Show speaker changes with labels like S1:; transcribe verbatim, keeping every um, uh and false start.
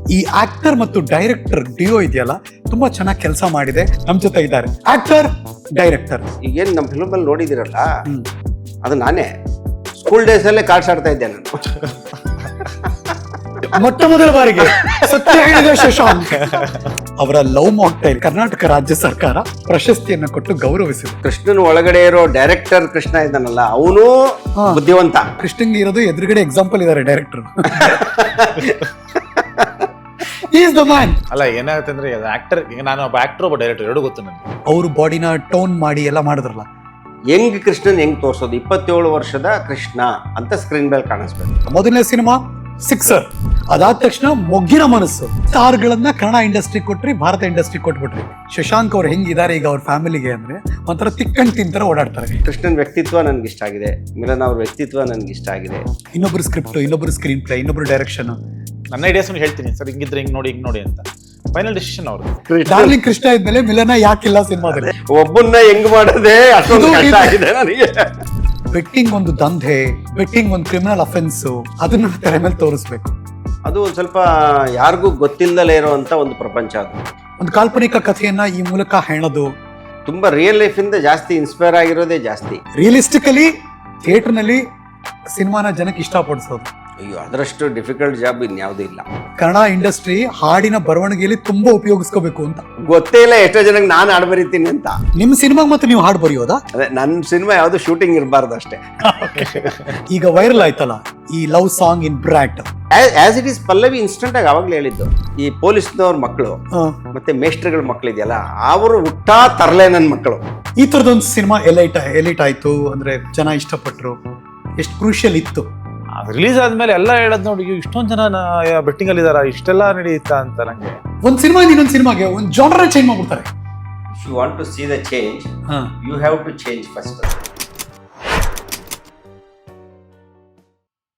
S1: ಈ ಆಕ್ಟರ್ ಮತ್ತು director Dio ಇದೆಯಲ್ಲ ತುಂಬಾ ಚೆನ್ನಾಗಿ ಕೆಲಸ ಮಾಡಿದೆ. ನಮ್ ಜೊತೆ ಇದ್ದಾರೆ ಆಕ್ಟರ್ ಡೈರೆಕ್ಟರ್.
S2: ಈಗೇನು ನಮ್ಮ ಫಿಲ್ಮ್ ಅಲ್ಲಿ ನೋಡಿದಿರಲ್ಲ, ಅದು ನಾನೇ ಸ್ಕೂಲ್ ಡೇಸ್ ಅಲ್ಲೇ ಕಾರ್ಡ್ಸ್ ಆಡ್ತಾ ಇದ್ದೆ ನಾನು.
S1: ಮೊಟ್ಟ ಮೊದಲ ಬಾರಿಗೆ ಸತ್ಯ ಹೇಳಿದ ಶಶಾಂಕ್ ಅವರ ಲವ್ ಮಾಕ್ಟೈಲ್ ಕರ್ನಾಟಕ ರಾಜ್ಯ ಸರ್ಕಾರ ಪ್ರಶಸ್ತಿಯನ್ನು ಕೊಟ್ಟು ಗೌರವಿಸಿದೆ.
S2: ಕೃಷ್ಣನ್ ಒಳಗಡೆ ಇರೋ ಡೈರೆಕ್ಟರ್ ಕೃಷ್ಣ ಇದ್ದಾನಲ್ಲ, ಅವನು ಬುದ್ಧಿವಂತ.
S1: ಕೃಷ್ಣಂಗೆ ಇರೋದು ಎದುರುಗಡೆ ಎಕ್ಸಾಂಪಲ್ ಇದಾರೆ ಡೈರೆಕ್ಟರ್. Is the man.
S3: ಅಲ್ಲ ಏನಾಗುತ್ತೆ ಅಂದ್ರೆ ಆಕ್ಟರ್, ಈಗ ನಾನು ಒಬ್ಬ ಆಕ್ಟರ್ ಒಬ್ಬ ಡೈರೆಕ್ಟರ್ ಎರಡು ಗೊತ್ತು ನನಗೆ.
S1: ಅವ್ರ ಬಾಡಿನ ಟೋನ್ ಮಾಡಿ ಎಲ್ಲ ಮಾಡಿದ್ರಲ್ಲ,
S2: ಹೆಂಗ್ ಕೃಷ್ಣನ್ ಹೆಂಗ್ ತೋರ್ಸೋದು, ಇಪ್ಪತ್ತೇಳು ವರ್ಷದ ಕೃಷ್ಣ ಅಂತ ಸ್ಕ್ರೀನ್ ಮೇಲೆ ಕಾಣಿಸ್ಬೇಕು.
S1: ಮೊದಲನೇ ಸಿನಿಮಾ ಸಿಕ್ಸರ್, ಅದಾದ ತಕ್ಷಣ ಮೊಗ್ಗಿನ ಮನಸ್ಸು. ಸ್ಟಾರ್ಗಳನ್ನ ಕನ್ನಡ ಇಂಡಸ್ಟ್ರಿ ಕೊಟ್ರಿ, ಭಾರತ ಇಂಡಸ್ಟ್ರಿ ಕೊಟ್ಬಿಟ್ರಿ. ಶಶಾಂಕ್ ಅವ್ರು ಹೆಂಗಿದ್ದಾರೆ ಈಗ ಅವ್ರ ಫ್ಯಾಮಿಲಿಗೆ ಅಂದ್ರೆ ಒಂಥರ ತಿಕ್ಕಂಡ್ ತಿಂತರ ಓಡಾಡ್ತಾರೆ.
S2: ಕೃಷ್ಣನ್ ವ್ಯಕ್ತಿತ್ವ ನನ್ಗೆ ಇಷ್ಟ ಆಗಿದೆ, ಮಿಲನ್ ಅವ್ರ ವ್ಯಕ್ತಿತ್ವ ನನ್ಗೆ ಇಷ್ಟ ಆಗಿದೆ.
S1: ಇನ್ನೊಬ್ರು ಸ್ಕ್ರಿಪ್ಟ್, ಇನ್ನೊಬ್ರು ಸ್ಕ್ರೀನ್ ಪ್ಲೇ, ಇನ್ನೊಬ್ರು ಡೈರೆಕ್ಷನ್.
S3: ನನ್ನ ಐಡಿಯಾಸ್ ಹೇಳ್ತೀನಿ ಸರ್, ಹಿಂಗಿದ್ರೆ ಹಿಂಗ್ ನೋಡಿ ಹಿಂಗ್ ನೋಡಿ ಅಂತ. ಫೈನಲ್ ಡಿಸಿಷನ್ ಅವ್ರದ್ದು.
S1: ಡಾರ್ಲಿಂಗ್ ಕೃಷ್ಣ ಇದ್ಮೇಲೆ ಮಿಲನ ಯಾಕಿಲ್ಲ ಸಿನಿಮಾದಲ್ಲಿ?
S2: ಒಬ್ಬನ್ನ ಹೆಂಗ್ ಮಾಡೋದೇ ಅಷ್ಟೊಂದು ಕಷ್ಟ ಆಗಿದೆ ನನಗೆ.
S1: ಬೆಟ್ಟಿಂಗ್ ಒಂದು ದಂಧೆ, ಬೆಟ್ಟಿಂಗ್ ಒಂದು ಕ್ರಿಮಿನಲ್ ಅಫೆನ್ಸ್, ಅದನ್ನ ತೆರೆ ಮೇಲೆ ತೋರಿಸ್ಬೇಕು.
S2: ಅದು ಒಂದ್ ಸ್ವಲ್ಪ ಯಾರಿಗೂ ಗೊತ್ತಿಲ್ಲದಲೇ ಇರುವಂತ ಒಂದು ಪ್ರಪಂಚ. ಅದು
S1: ಒಂದು ಕಾಲ್ಪನಿಕ ಕಥೆಯನ್ನ ಈ ಮೂಲಕ ಹೆಣದು
S2: ತುಂಬಾ ರಿಯಲ್ ಲೈಫ್ ಇಂದ ಜಾಸ್ತಿ ಇನ್ಸ್ಪೈರ್ ಆಗಿರೋದೇ ಜಾಸ್ತಿ.
S1: ರಿಯಲಿಸ್ಟಿಕಲಿ ಥಿಯೇಟರ್ ನಲ್ಲಿ ಸಿನಿಮಾನ ಜನಕ್ಕೆ ಇಷ್ಟಪಡಿಸೋದು.
S2: ಅಯ್ಯೋ, ಅದರಷ್ಟು ಡಿಫಿಕಲ್ಟ್ ಜಾಬ್ ಇನ್ಯಾವುದೂ ಇಲ್ಲ.
S1: ಕನ್ನಡ ಇಂಡಸ್ಟ್ರಿ ಹಾಡಿನ ಬರವಣಿಗೆಯಲ್ಲಿ ತುಂಬಾ ಉಪಯೋಗಿಸ್ಕೋಬೇಕು ಅಂತ.
S2: ಗೊತ್ತೇ ಇಲ್ಲ ಎಷ್ಟೋ ಜನಕ್ಕೆ ನಾನು ಹಾಡು ಬರೀತೀನಿ ಅಂತ.
S1: ನಿಮ್ ಸಿನಿಮಾ ಮತ್ತೆ ನೀವು ಹಾಡು ಬರೆಯೋದಾ?
S2: ಅದೇ ನನ್ನ ಸಿನಿಮಾ ಯಾವ್ದು ಶೂಟಿಂಗ್ ಇರಬಾರ್ದು ಅಷ್ಟೇ.
S1: ಈಗ ವೈರಲ್ ಆಯ್ತಲ್ಲ ಈ love song in brat.
S2: As it is Pallavi instant ಆಗಿ ಅವಾಗ್ಲೇ ಹೇಳಿದ್ದು, ಈ ಪೊಲೀಸ್ನವ್ರ ಮಕ್ಕಳು ಮತ್ತೆ ಮೇಸ್ಟ್ರಿಗಳ ಮಕ್ಕಳು ಇದೆಯಲ್ಲ, ಅವರು ಹುಟ್ಟಾ ತರಲೆ ನನ್ನ ಮಕ್ಕಳು.
S1: ಈ ತರದೊಂದು ಸಿನಿಮಾ ಎಲೈಟ್ ಎಲೈಟ್ ಆಯ್ತು ಅಂದ್ರೆ ಜನ ಇಷ್ಟಪಟ್ರು. ಎಷ್ಟು ಕ್ರೂಷಿಯಲ್ ಇತ್ತು.
S3: ರಿಲೀಸ್ ಆದ್ಮೇಲೆ ಎಲ್ಲ ಹೇಳದ್ ನೋಡಿ, ಇಷ್ಟೊಂದ್ ಜನ ಬೆಟ್ಟಿಂಗ್ ಅಲ್ಲಿ ಇದಾರ, ಇಷ್ಟೆಲ್ಲ ನಡೆಯುತ್ತಾ ಅಂತ. ನಂಗೆ
S1: ಒಂದ್ ಸಿನಿಮಾ ಇನ್ನೊಂದ್ ಸಿನಿಮಾಗೆ ಒಂದ್ ಜಾನರ್ ಚೇಂಜ್ ಮಾಡ್ಬಿಡ್ತಾರೆ.
S2: If you want to see the change, you have to change first.